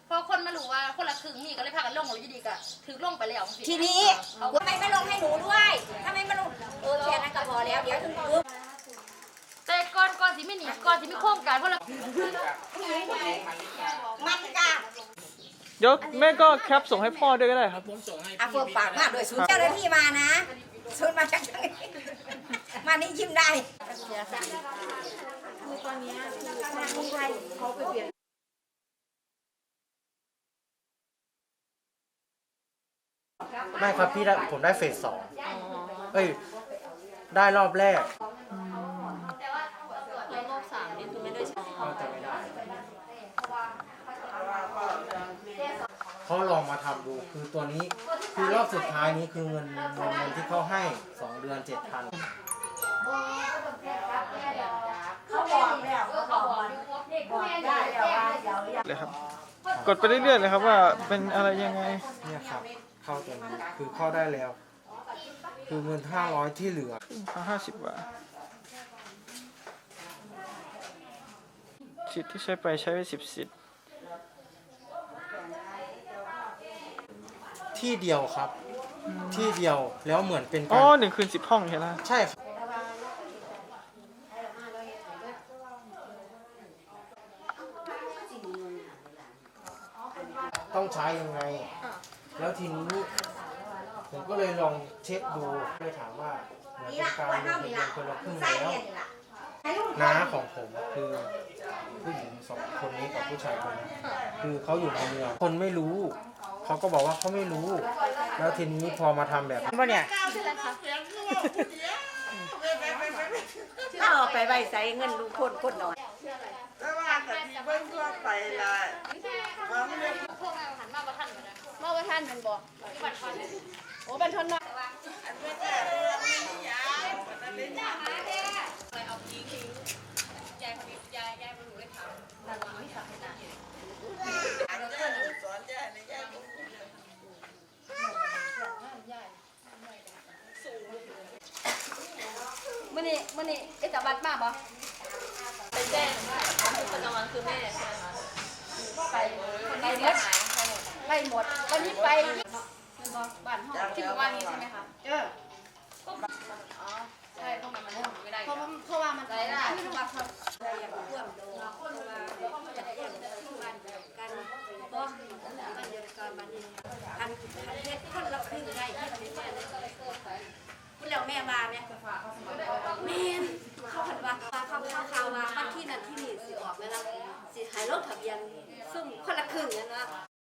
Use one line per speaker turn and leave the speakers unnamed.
พอคนมารู้ว่าคนละครึ่งนี่ก็เลยพากันลงเลยดีก็ถือลงไปแล้ว
ทีนี้ทำไมไม่ลงให้หนูด้วยทำไมไม่ลงแค่นั้นก็พอแล้วเดี๋ยวถึงปุ๊บ
แต่ก่อนสิไม่หนีก่อนสิไม่โค้งกันเพราะเรา
มันจ้ะ
เดี๋ยวแม่ก็แคปส่งให้พ่อด้วยก็ได้ครับ
เฟิร์มปากมากด้วยศูนย์เจ้าหน้าที่มานะศูนย์มาจากไหนมานี่ยิ้มได้คือตอนนี้ทางคนไทยเขาไปเปลี่ยน
ไม่ครับพี่ผมได้เฟสสองเอ้ยได้รอบแรก
รอบ3นี่คือไม่ได้ใช้
เขาจะไม่ได้เขาลองมาทำดูคือตัวนี้คือรอบสุดท้ายนี้คือเงินที่เขาให้2 เดือน 7,000
เขาบอกแล้วเขาบอกได้แล้วว่าเดี๋ยว
เลยครับกดไปเรื่อยๆเลยครับว่าเป็นอะไรยังไง
เนี่ยครับเข้าตัวนี้คือเข้าได้แล้วคือเงิน500ที่เหลือ
50 บาทสิทธิ์ที่ใช้ไปใช้ไป10 สิทธิ์
ที่เดียวครับที่เดียวแล้วเหมือนเป็น
อ๋อ1 คืน 10 ห้องใช่ไหม
ใช่ครับต้องใช้ยังไงแล้วทีนี้ผมก็เลยลองเช็คดูเลยถามว่าเหมือนเป็นการลงทะเบียนคนละครึ่งแล้วน้าของผมคือผู้หญิง2 คนนี้กับผู้ชายคนนี้คือเขาอยู่ในเมืองคนไม่รู้เขาก็บอกว่าเขาไม่รู้แล้วทีนี้พอมาทำแบบนี้เนี่ย
ถ้าออกไปใบใส่เงินลูกคนน้อย
แต่ว่าแต่ที่เบิ่งทั่วไปละว่ามันเป็น
พวกเราหันมาประทันกันนะมาประทันเป็นบ่บัตรทอนโอ้บัตรทอนน้อย
อันเป็นแต่เรื่องไม่ยาวอันนั้นยาว
เอาทิ้งยายพนิยายมาหนูได้ถามแต่เราไม่ทำให้ได้
อันนี้สอนยายในยาย
มื่อนี้ไอ้จับบัตรมาบ่ไปแจ้งคนนอนคือแม่ใช่ไหมคะไปหมดวันนี้ไปบ้านห้องที่บ้านนี้ใช่ไหมคะอ๋อใช่เพราะมันไม่ได้เพราะว่ามันได้ไม่รู้ว่าเขา
อย่างร่วมโดนเพราะว่าจะได้อย่างบ้านกันก็บ้านเดียวกันบ้านนี้อันเฮ็ดคนละครึ่งได้เฮ็ดเป็นแม่เลยคุณแล้วแม่มาไหมแม่เขาผัดว่าเขาว่าบ้านที่นั่นที่นี่สิออกไหมล่ะสิหายรถทะเบียนซุ่มคนละครึ่งนั่นนะ